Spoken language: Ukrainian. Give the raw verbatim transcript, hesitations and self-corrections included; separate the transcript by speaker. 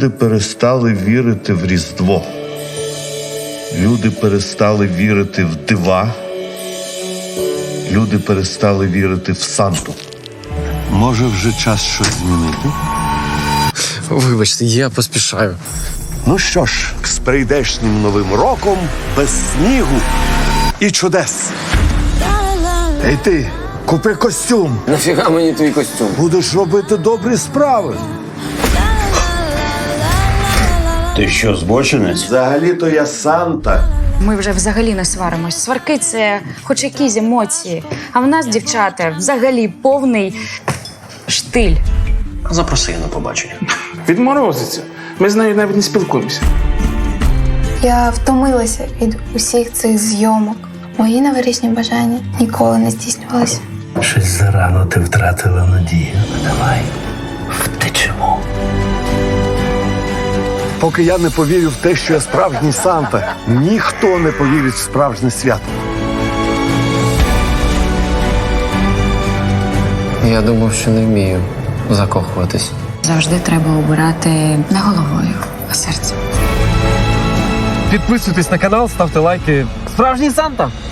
Speaker 1: Люди перестали вірити в Різдво. Люди перестали вірити в дива. Люди перестали вірити в Санту. Може, вже час щось змінити?
Speaker 2: Вибачте, я поспішаю.
Speaker 1: Ну що ж, з прийдешнім Новим роком, без снігу і чудес. Ей ти, купи костюм.
Speaker 2: Нафіга мені твій костюм?
Speaker 1: Будеш робити добрі справи.
Speaker 3: Ти що, збочинець?
Speaker 1: Взагалі-то я Санта.
Speaker 4: Ми вже взагалі не сваримось. Сварки – це хоч якісь емоції. А в нас, дівчата, взагалі повний штиль.
Speaker 3: Запроси її на побачення.
Speaker 5: Відморозиться. Ми з нею навіть не спілкуємося.
Speaker 6: Я втомилася від усіх цих зйомок. Мої новорічні бажання ніколи не здійснювалися.
Speaker 7: Щось зарано ти втратила надію. Давай, втечемо.
Speaker 1: Поки я не повірю в те, що я справжній Санта, ніхто не повірить в справжнє свято.
Speaker 2: Я думав, що не вмію закохуватись.
Speaker 4: Завжди треба обирати не головою, а серцем.
Speaker 8: Підписуйтесь на канал, ставте лайки. Справжній Санта!